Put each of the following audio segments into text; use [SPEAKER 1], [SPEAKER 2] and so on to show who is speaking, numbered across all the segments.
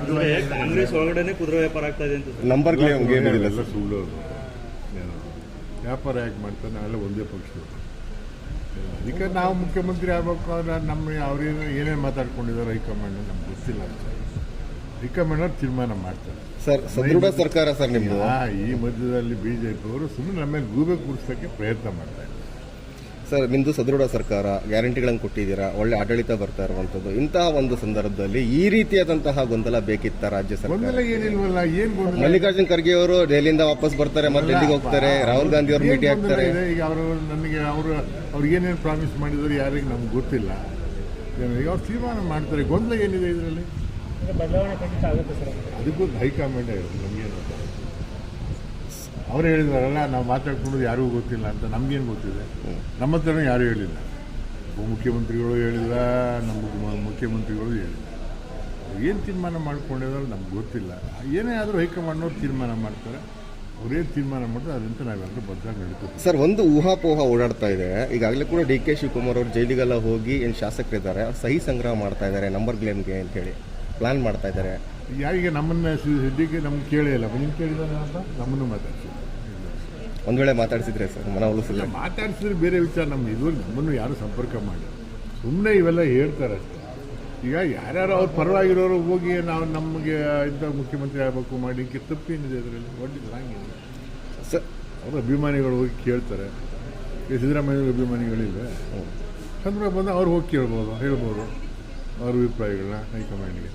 [SPEAKER 1] ಕಾಂಗ್ರೆಸ್ ಒಳಗಡೆ ಕುದುರೆ ವ್ಯಾಪಾರ ಆಗ್ತಾ ಇದೆ ಅಂತ
[SPEAKER 2] ನಂಬರ್ ಗೇಮ್ ಇದೆಲ್ಲ
[SPEAKER 3] ಎಲ್ಲ ಸುಳ್ಳು. ವ್ಯಾಪಾರ ಯಾಕೆ ಮಾಡ್ತಾರೆ? ನಾವೆಲ್ಲ ಒಂದೇ ಪಕ್ಷದವರು. ಅದಕ್ಕೆ ನಾವು ಮುಖ್ಯಮಂತ್ರಿ ಆಗಬೇಕು ಅಂದ್ರೆ ನಮ್ಮ ಅವ್ರೇನು ಏನೇನು ಮಾತಾಡ್ಕೊಂಡಿದ್ದಾರೆ ಹೈಕಮಾಂಡ್ ನಮ್ಗೆ ಗೊತ್ತಿಲ್ಲ. ಹೈಕಮಾಂಡ್ ಅವ್ರು ತೀರ್ಮಾನ ಮಾಡ್ತಾರೆ.
[SPEAKER 2] ಸರ್, ಸದೃಢ ಸರ್ಕಾರ ಸರ್ ನಿಮ್ಮದು.
[SPEAKER 3] ಈ ಮಧ್ಯದಲ್ಲಿ ಬಿಜೆಪಿ ಅವರು ಸುಮ್ಮನೆ ನಮ್ಮ ಮೇಲೆ ಗೂಬೆ ಕೂರಿಸೋಕ್ಕೆ ಪ್ರಯತ್ನ ಮಾಡ್ತಾರೆ.
[SPEAKER 2] ಸರ್, ನಿಮ್ಮದು ಸದೃಢ ಸರ್ಕಾರ, ಗ್ಯಾರಂಟಿಗಳನ್ನು ಕೊಟ್ಟಿದ್ದೀರಾ, ಒಳ್ಳೆ ಆಡಳಿತ ಬರ್ತಾ ಇರುವಂಥದ್ದು. ಇಂತಹ ಒಂದು ಸಂದರ್ಭದಲ್ಲಿ ಈ ರೀತಿಯಾದಂತಹ ಗೊಂದಲ ಬೇಕಿತ್ತ ರಾಜ್ಯ ಸರ್ಕಾರ?
[SPEAKER 3] ಗೊಂದಲ ಏನಿಲ್ವಲ್ಲ. ಏನು ಗೊಂದಲ?
[SPEAKER 2] ಮಲ್ಲಿಕಾರ್ಜುನ್ ಖರ್ಗೆ ಅವರು ದೆಹಲಿಯಿಂದ ವಾಪಸ್ ಬರ್ತಾರೆ, ಮತ್ತೆ ಡೆಲ್ಲಿಗೆ ಹೋಗ್ತಾರೆ, ರಾಹುಲ್ ಗಾಂಧಿ ಅವರು ಭೇಟಿ ಆಗ್ತಾರೆ.
[SPEAKER 3] ಈಗ ಅವರು ನನಗೆ ಅವ್ರು ಏನೇನು ಪ್ರಾಮಿಸ್ ಮಾಡಿದ್ರು ಯಾರಿಗೆ ನಮ್ಗೆ ಗೊತ್ತಿಲ್ಲ. ಈಗ ಅವ್ರು ತೀರ್ಮಾನ ಮಾಡ್ತಾರೆ. ಗೊಂದಲ ಏನಿದೆ ಇದರಲ್ಲಿ?
[SPEAKER 1] ಬದಲಾವಣೆ ಖಂಡಿತ ಆಗುತ್ತೆ ಸರ್.
[SPEAKER 3] ಅದಕ್ಕೂ ಹೈಕಮಾಂಡ್ ನಮಗೇನು ಅವ್ರು ಹೇಳಿದಾರಲ್ಲ, ನಾವು ಮಾತಾಡ್ಕೊಂಡು ಯಾರಿಗೂ ಗೊತ್ತಿಲ್ಲ ಅಂತ. ನಮಗೇನು ಗೊತ್ತಿದೆ? ನಮ್ಮ ಹತ್ರನೂ ಯಾರೂ ಹೇಳಿಲ್ಲ. ಉಪಮುಖ್ಯಮಂತ್ರಿಗಳು ಹೇಳಿಲ್ಲ, ನಮ್ಮ ಮುಖ್ಯಮಂತ್ರಿಗಳು ಹೇಳಿಲ್ಲ. ಏನು ತೀರ್ಮಾನ ಮಾಡ್ಕೊಂಡಿದ್ದಾರೆ ನಮ್ಗೆ ಗೊತ್ತಿಲ್ಲ. ಏನೇ ಆದರೂ ಹೈಕಮಾಂಡ್ನವ್ರು ತೀರ್ಮಾನ ಮಾಡ್ತಾರೆ. ಅವ್ರೇನು ತೀರ್ಮಾನ ಮಾಡ್ತಾರೆ ಅದಂತ ನಾವೆಲ್ಲರೂ ಬದ್ಧಾಗಿ ನಡೀತೀವಿ.
[SPEAKER 2] ಸರ್, ಒಂದು ಊಹಾಪೋಹ ಓಡಾಡ್ತಾ ಇದೆ. ಈಗಾಗಲೇ ಕೂಡ ಡಿ ಕೆ ಶಿವಕುಮಾರ್ ಅವರು ಜೈಲಿಗೆಲ್ಲ ಹೋಗಿ ಏನು ಶಾಸಕರಿದ್ದಾರೆ ಅವ್ರು ಸಹಿ ಸಂಗ್ರಹ ಮಾಡ್ತಾ ಇದ್ದಾರೆ ನಂಬರ್ ಗೇಮ್ಗೆ ಅಂತ ಹೇಳಿ ಪ್ಲಾನ್ ಮಾಡ್ತಾ ಇದ್ದಾರೆ.
[SPEAKER 3] ಯಾರಿಗೆ ನಮ್ಮನ್ನು ಸದ್ಯಕ್ಕೆ ನಮ್ಗೆ ಕೇಳೇ ಇಲ್ಲ. ನೀವು ಕೇಳಿದಾರೆ ಅಂತ ನಮ್ಮನ್ನು ಮಾತಾಡ್ಸಿದ್ರು.
[SPEAKER 2] ಒಂದು ವೇಳೆ ಮಾತಾಡಿಸಿದ್ರೆ ಸರ್ ಮನವೊಲಿಸಿಲ್ಲ?
[SPEAKER 3] ಮಾತಾಡಿಸಿದ್ರೆ ಬೇರೆ ವಿಚಾರ. ಇದುವರೆಗೆ ನಮ್ಮನ್ನು ಯಾರು ಸಂಪರ್ಕ ಮಾಡಿ ಸುಮ್ಮನೆ ಇವೆಲ್ಲ ಹೇಳ್ತಾರೆ ಅಷ್ಟೇ. ಈಗ ಯಾರ್ಯಾರು ಅವ್ರ ಪರವಾಗಿರೋರು ಹೋಗಿ ನಾವು ನಮಗೆ ಇಂಥ ಮುಖ್ಯಮಂತ್ರಿ ಆಗಬೇಕು ಮಾಡಲಿಕ್ಕೆ ತಪ್ಪೇನಿದೆ ಅದರಲ್ಲಿ? ಒಟ್ಟಿಗೆ ಹಂಗಿದೆ
[SPEAKER 2] ಸರ್.
[SPEAKER 3] ಅವ್ರ ಅಭಿಮಾನಿಗಳು ಹೋಗಿ ಕೇಳ್ತಾರೆ. ಈ ಸಿದ್ದರಾಮಯ್ಯ ಅಭಿಮಾನಿಗಳಿಲ್ವೇ? ಸಂದರ್ಭ ಬಂದು ಅವ್ರು ಹೋಗಿ ಹೇಳ್ಬೋದು ಅವ್ರ ಅಭಿಪ್ರಾಯಗಳನ್ನ ಹೈಕಮಾಂಡ್ಗೆ.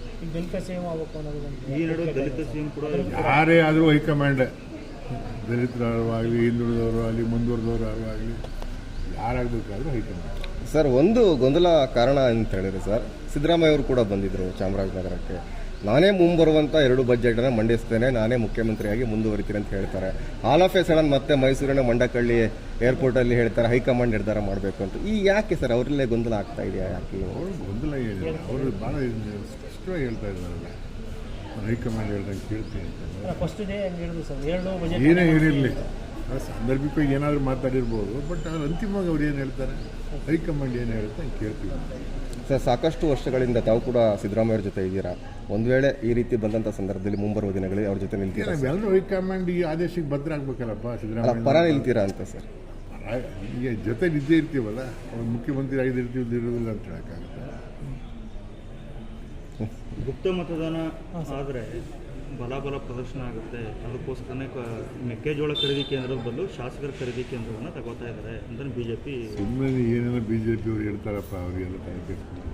[SPEAKER 1] ಈ ನಡುವೆ ದಲಿತ ಸಿಎಂ ಕೂಡ
[SPEAKER 3] ಯಾರೇ ಆದರೂ ಹೈಕಮಾಂಡ್, ದಲಿತರು ಆಗಲಿ, ಹಿಂದುಳಿದವರು ಆಗಲಿ, ಮುಂದುವರೆದವರು ಆಗಲಿ, ಯಾರಾಗಬೇಕಾದ್ರೂ ಹೈಕಮಾಂಡ್.
[SPEAKER 2] ಸರ್, ಒಂದು ಗೊಂದಲ ಕಾರಣ ಅಂತ ಹೇಳಿದ್ರೆ ಸರ್, ಸಿದ್ದರಾಮಯ್ಯ ಅವರು ಕೂಡ ಬಂದಿದ್ದರು ಚಾಮರಾಜನಗರಕ್ಕೆ. ನಾನೇ ಮುಂಬರುವಂಥ 2 ಬಜೆಟನ್ನು ಮಂಡಿಸ್ತೇನೆ, ನಾನೇ ಮುಖ್ಯಮಂತ್ರಿಯಾಗಿ ಮುಂದುವರಿತೀನಿ ಅಂತ ಹೇಳ್ತಾರೆ. ಆಲ್ ಆಫ್ ಎ ಸಡನ್ ಮತ್ತೆ ಮೈಸೂರಿನ ಮಂಡಕಳ್ಳಿ ಏರ್ಪೋರ್ಟಲ್ಲಿ ಹೇಳ್ತಾರೆ ಹೈಕಮಾಂಡ್ ನಿರ್ಧಾರ ಮಾಡಬೇಕು ಅಂತ. ಈ ಯಾಕೆ ಸರ್ ಅವರಲ್ಲೇ ಗೊಂದಲ ಆಗ್ತಾ ಇದೆಯಾ? ಯಾಕೆ
[SPEAKER 3] ಅವರು ಗೊಂದಲ ಏನಿಲ್ಲ. ಅವರು ಭಾಳ ಸ್ಪಷ್ಟವಾಗಿ ಹೇಳ್ತಾ ಇದ್ದಾರಲ್ಲ, ಹೈಕಮಾಂಡ್ ಹೇಳ್ದಂಗೆ ಕೇಳ್ತೀನಿ ಅಂತ. ಏನೇ ಹೇಳಿರಲಿ, ಸಾಂದರ್ಭಿಕವಾಗಿ ಏನಾದರೂ ಮಾತಾಡಿರ್ಬೋದು. ಬಟ್ ಅವ್ರು ಅಂತಿಮವಾಗಿ ಅವ್ರು ಏನು ಹೇಳ್ತಾರೆ, ಹೈಕಮಾಂಡ್ ಏನು ಹೇಳುತ್ತೆ ಅಂತ ಕೇಳ್ತೀವಿ.
[SPEAKER 2] ಸರ್, ಸಾಕಷ್ಟು ವರ್ಷಗಳಿಂದ ತಾವು ಕೂಡ ಸಿದ್ದರಾಮಯ್ಯ ಅವ್ರ ಜೊತೆ ಇದ್ದೀರಾ. ಒಂದು ವೇಳೆ ಈ ರೀತಿ ಬಂದಂಥ ಸಂದರ್ಭದಲ್ಲಿ ಮುಂಬರುವ ದಿನಗಳಲ್ಲಿ ಅವ್ರ ಜೊತೆ ನಿಲ್ತೀರಾ?
[SPEAKER 3] ಎಲ್ಲರೂ ಹೈಕಮಾಂಡ್ ಈ ಆದೇಶಕ್ಕೆ ಭದ್ರ ಆಗ್ಬೇಕಲ್ಲಪ್ಪ. ಸಿದ್ದರಾಮಯ್ಯ
[SPEAKER 2] ಪರ ನಿಲ್ತೀರಾ ಅಂತ ಸರ್?
[SPEAKER 3] ಈಗ ಜೊತೆ ನಿದ್ದೆ ಇರ್ತೀವಲ್ಲ, ಅವ್ರು ಮುಖ್ಯಮಂತ್ರಿ ಆಗಿರ್ತೀವಿ ಇರೋದಿಲ್ಲ ಅಂತ ಹೇಳೋಕ್ಕಾಗುತ್ತೆ.
[SPEAKER 1] ಗುಪ್ತ ಮತದಾನ ಆದರೆ ಬಲಾಬಲ ಪ್ರದರ್ಶನ ಆಗುತ್ತೆ. ಅದಕ್ಕೋಸ್ಕರನೇ ಮೆಕ್ಕೆಜೋಳ ಖರೀದಿ ಕೇಂದ್ರದ ಬದಲು ಶಾಸಕರ ಖರೀದಿ ಕೇಂದ್ರವನ್ನು ತಗೋತಾ ಇದ್ದಾರೆ ಅಂತ ಬಿಜೆಪಿ.
[SPEAKER 3] ಸುಮ್ಮನೆ ಏನೇನೋ ಬಿಜೆಪಿ ಅವ್ರು ಹೇಳ್ತಾರಪ್ಪ, ಅವರಿಗೆಲ್ಲ ತನಿಖೆ